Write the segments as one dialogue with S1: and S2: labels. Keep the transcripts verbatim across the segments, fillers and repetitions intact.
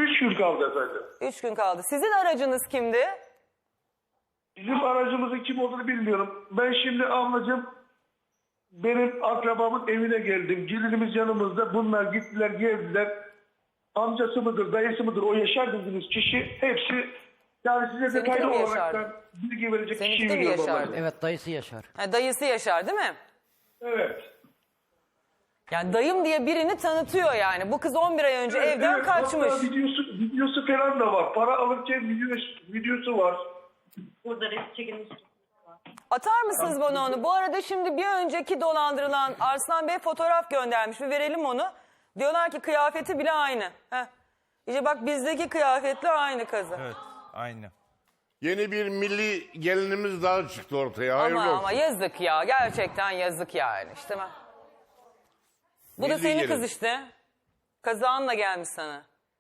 S1: Üç gün kaldı efendim.
S2: Üç gün kaldı. Sizin aracınız kimdi?
S1: Bizim aracımızın kim olduğunu bilmiyorum. Ben şimdi ablacığım benim akrabamın evine geldim. Gelinimiz yanımızda. Bunlar gittiler geldiler. Amcası mıdır, dayısı mıdır o yaşar dediğiniz kişi hepsi yani size
S2: Seninki
S1: detaylı
S2: mi
S1: olarak
S2: yaşardı?
S1: ben bilgi verecek
S2: Seninki
S1: kişiyi
S2: de mi
S1: biliyorum
S2: yaşardı?
S1: ablacığım.
S3: Evet, dayısı Yaşar.
S2: Ha, dayısı Yaşar değil mi?
S1: Evet.
S2: Yani dayım diye birini tanıtıyor yani. Bu kız on bir ay önce
S1: Evet,
S2: evden
S1: evet.
S2: kaçmış.
S1: Hatta videosu, videosu falan da var. Para alırken videosu, videosu var.
S4: Burada resim çekilmiş.
S2: Atar mısınız bana onu? Bu arada şimdi bir önceki dolandırılan Arslan Bey fotoğraf göndermiş. Bir verelim onu. Diyorlar ki kıyafeti bile aynı. Heh. İşte bak bizdeki kıyafetle aynı kızı.
S5: Evet, aynı.
S6: Yeni bir milli gelinimiz daha çıktı ortaya. Hayırlı
S2: Ama
S6: olsun.
S2: ama yazık ya. Gerçekten yazık yani. İşte ben. Bu da
S6: Milli
S2: senin
S6: gelin.
S2: kız işte. Kazağınla gelmiş sana.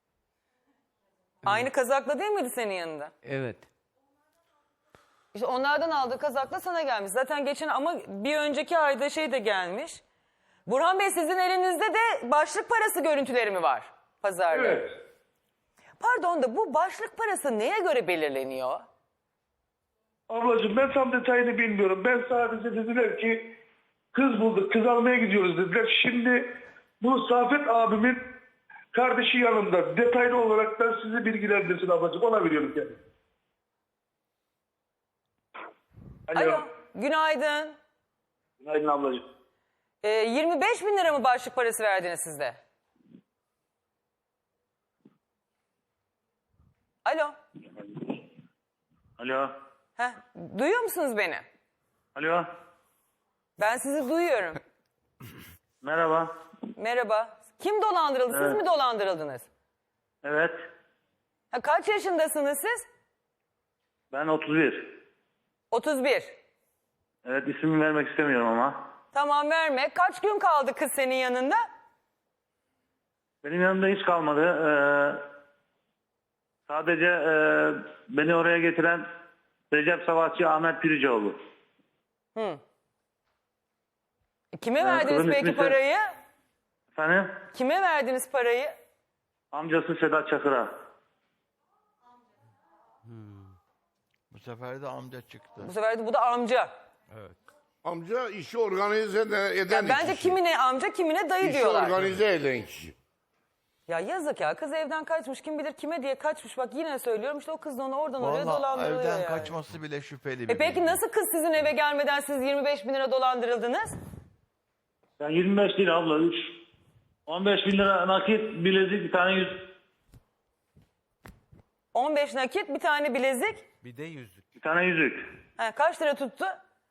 S2: Aynı kazakla değil miydi senin yanında?
S3: Evet.
S2: İşte onlardan aldığı kazakla sana gelmiş. Zaten geçen ama bir önceki ayda şey de gelmiş. Burhan Bey sizin elinizde de başlık parası görüntüleri mi var pazarda?
S1: Evet.
S2: Pardon da bu başlık parası neye göre belirleniyor?
S1: Ablacığım ben tam detayını bilmiyorum. Ben sadece dediler ki kız bulduk, kız almaya gidiyoruz dediler. Şimdi bu Safet abimin kardeşi yanımda. Detaylı olarak da sizi bilgilendirsin ablacığım. Ona veriyorum kendimi. Alo.
S2: Alo, günaydın.
S1: Günaydın ablacığım.
S2: Ee, yirmi beş bin lira mı başlık parası verdiniz sizde? Alo.
S7: Alo.
S2: Heh, duyuyor musunuz beni?
S7: Alo.
S2: Ben sizi duyuyorum.
S7: Merhaba.
S2: Merhaba. Kim dolandırıldı? Siz
S7: Evet.
S2: mi dolandırıldınız?
S7: Evet.
S2: Ha, kaç yaşındasınız siz?
S7: Ben otuz bir.
S2: otuz bir.
S7: Evet, ismimi vermek istemiyorum ama.
S2: Tamam verme. Kaç gün kaldı kız senin yanında?
S7: Benim yanımda hiç kalmadı. Ee, sadece e, beni oraya getiren Recep Savaşçı Ahmet Piricioğlu.
S2: Hı. E, Kime
S7: Ee,
S2: verdiniz
S7: kızın
S2: peki
S7: ismi ise-
S2: parayı?
S7: Efendim?
S2: Kime verdiniz parayı?
S7: Amcası Sedat Çakır'a.
S5: Bu sefer de amca çıktı.
S2: Bu sefer de bu da amca.
S6: Amca işi organize eden
S2: Yani bence
S6: kişi.
S2: kimine amca kimine dayı
S6: İşi
S2: diyorlar.
S6: organize eden kişi.
S2: Ya yazık ya, kız evden kaçmış, kim bilir kime diye kaçmış. Bak yine söylüyorum, işte o kız da onu oradan oraya
S5: Vallahi
S2: dolandırıyor
S5: evden
S2: yani.
S5: kaçması bile şüpheli bir
S2: E peki
S5: bilgi.
S2: nasıl kız sizin eve gelmeden siz yirmi beş bin lira dolandırıldınız?
S7: Ben yirmi beş değil abla. üç. on beş bin lira nakit, bilezik, bir tane yüz.
S2: on beş nakit, bir tane bilezik.
S5: Bir de yüzük.
S7: Bir tane yüzük.
S2: Ha, kaç lira tuttu?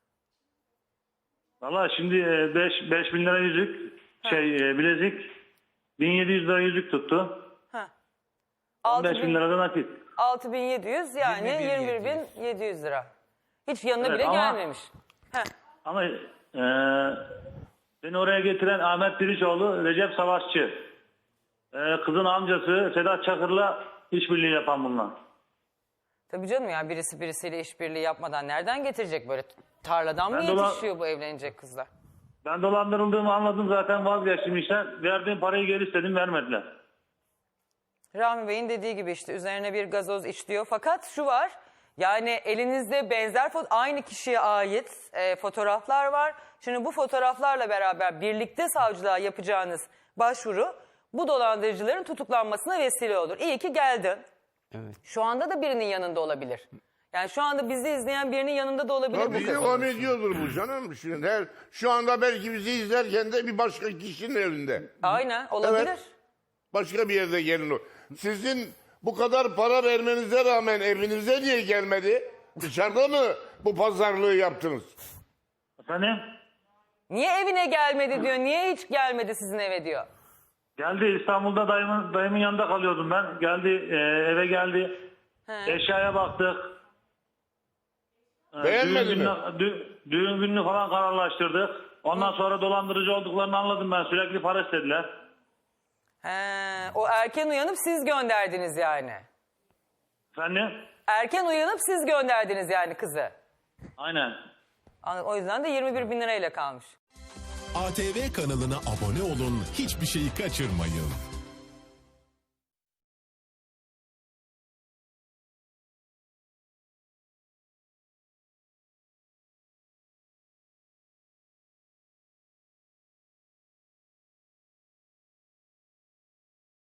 S7: Valla şimdi beş bin lira yüzük. Şey e, bilezik. bin yedi yüz lira yüzük tuttu.
S2: Ha.
S7: on beş bin lira da nakit.
S2: altı bin yedi yüz yani
S5: yirmi bin
S2: yirmi bir bin yedi yüz lira. Hiç yanına
S7: Evet,
S2: bile
S7: ama-
S2: gelmemiş. Heh.
S7: Ama e, beni oraya getiren Ahmet Piricioğlu, Recep Savaşçı. E, kızın amcası Sedat Çakır'la işbirliği yapan bunlar.
S2: Tabii canım ya, birisi birisiyle işbirliği yapmadan nereden getirecek, böyle tarladan mı
S7: Ben dola-
S2: yetişiyor bu evlenecek kızlar?
S7: Ben dolandırıldığımı anladım zaten, vazgeçtim işten. Verdiğim parayı geri istedim, vermediler.
S2: Rahmi Bey'in dediği gibi işte üzerine bir gazoz iç diyor. Fakat şu var, yani elinizde benzer fo- aynı kişiye ait e, fotoğraflar var. Şimdi bu fotoğraflarla beraber birlikte savcılığa yapacağınız başvuru bu dolandırıcıların tutuklanmasına vesile olur. İyi ki geldin.
S3: Evet.
S2: Şu anda da birinin yanında olabilir. Yani şu anda bizi izleyen birinin yanında da olabilir bu
S6: Tabii
S2: kız.
S6: devam ediyordur bu canım. Şimdi her, şu anda belki bizi izlerken de bir başka kişinin elinde.
S2: Aynen olabilir.
S6: Evet. Başka bir yerde gelin o. Sizin bu kadar para vermenize rağmen evinize niye gelmedi? Dışarıda mı bu pazarlığı yaptınız?
S7: Efendim?
S2: Niye evine gelmedi diyor. Niye hiç gelmedi sizin eve diyor.
S7: Geldi, İstanbul'da dayımın, dayımın yanında kalıyordum ben. Geldi, e, eve geldi.
S2: He.
S7: Eşyaya baktık. E,
S6: Beğenmedi
S7: düğün
S6: mi?
S7: gününü, dü- düğün gününü falan kararlaştırdık. Ondan sonra dolandırıcı olduklarını anladım ben. Sürekli para istediler.
S2: He, o erken uyanıp siz gönderdiniz yani.
S7: Efendim?
S2: Erken uyanıp siz gönderdiniz yani kızı.
S7: Aynen.
S2: O yüzden de yirmi bir bin lirayla kalmış.
S8: A T V kanalına abone olun, hiçbir şeyi kaçırmayın.